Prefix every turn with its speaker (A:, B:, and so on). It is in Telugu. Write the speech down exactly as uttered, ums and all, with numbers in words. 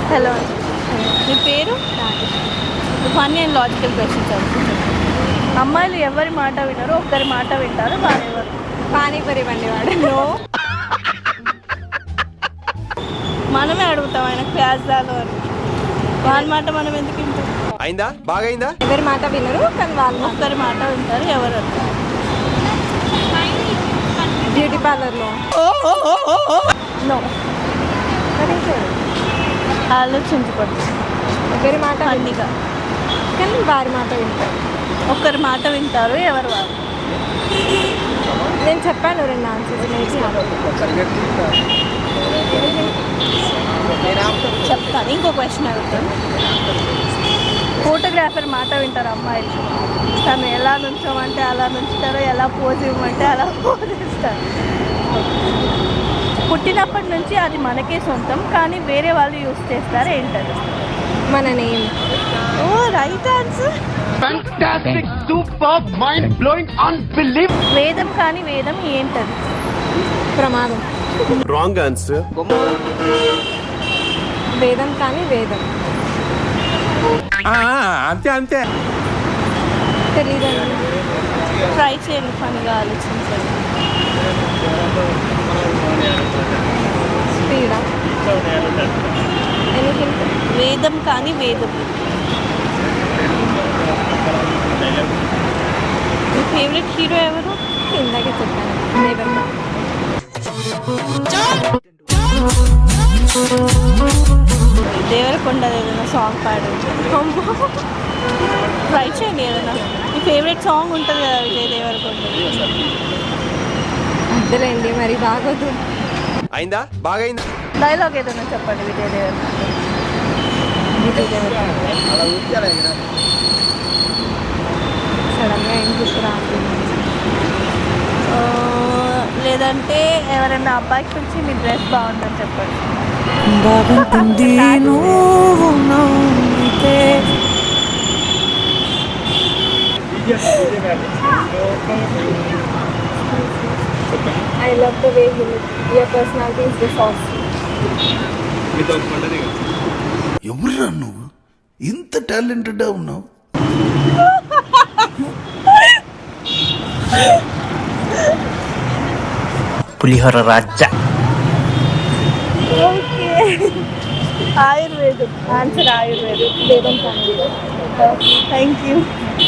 A: హలో మీ పేరు? ఫన్నీ అండ్ లాజికల్ క్వశ్చన్స్ అడుగుతుంది. అమ్మాయిలు ఎవరి మాట వినరు, ఒక్కరి మాట వింటారు, వారెవరు?
B: పానీపూరి బండి వాడు.
A: నో, మనమే అడుగుతాం ఆయన ప్యాజ్దాలు అని. వాళ్ళ మాట మనం ఎందుకు వింటాం?
C: అయిందా బాగైందా?
B: ఎవరి మాట వినరు కానీ వాళ్ళు
A: ఒక్కరి మాట వింటారు, ఎవరు?
B: బ్యూటీ పార్లర్లో.
A: నో, ఆలోచించకూడదు.
B: ఒకరి మాట
A: ఫన్నీగా
B: కానీ వారి మాట వింటారు.
A: ఒక్కరి మాట వింటారు, ఎవరు వారు?
B: నేను చెప్పాను రెండు ఆన్సర్స్ నేర్చుకున్నాను.
A: చెప్తాను. ఇంకో క్వశ్చన్ అడుగుతాను. ఫోటోగ్రాఫర్ మాట వింటారు అమ్మాయిలు. తను ఎలా నుంచోమంటే అలా నుంచుతారు, ఎలా పోజ్ ఇవ్వమంటే అలా పోజ్ ఇస్తారు. పుట్టినప్పటి నుంచి అది మనకే సొంతం, కానీ వేరే వాళ్ళు యూజ్ చేస్తారు. ఏంటది?
B: మన name.
A: Oh, right answer.
D: Fantastic, superb, mind-blowing, unbelievable.
A: వేదం కానీ వేదం ఏంటది?
B: ప్రమాదం.
C: Wrong answer.
B: వేదం కానీ వేదం.
C: అంతే అంతే.
B: తెలీదండి.
A: ట్రై చేయండి, పనిగా ఆలోచించండి.
B: స్పీడా ఎనీథింగ్.
A: వేదం కానీ వేదం. మీ ఫేవరెట్ హీరో ఎవరు?
B: ఇందాకే చెప్పాను నెవర్.
A: దేవరకొండ ఏదైనా సాంగ్ పాడు. ట్రై చేయండి ఏదైనా. మీ ఫేవరెట్ సాంగ్ ఉంటుంది కదా విజయ్ దేవరకొండ.
B: అద్దలేండి మరి బాగోదు.
C: అయిందా బాగైందా?
A: డైలాగ్ ఏదైనా చెప్పండి విజయ్ దేవరకొండ.
B: సడన్గా ఏం గుర్తు రావట్లేదు.
A: ఆ, లేదంటే ఎవరైనా అబ్బాయికి పిలిచి మీ డ్రెస్ బాగుందని చెప్పండి.
E: బాగుంటుంది నువ్వు నవ్వితే.
B: I love the way you look. Your personality is the sauce.
F: ఎవరురా నువ్వు ఇంత టాలెంటెడ్ ఉన్నావు?
E: పులిహోర రాజా.
A: ఓకే, ఆయుర్వేదం ఆన్సర్. ఆయుర్వేదం.
B: వేదం కానీ
A: థ్యాంక్ యూ.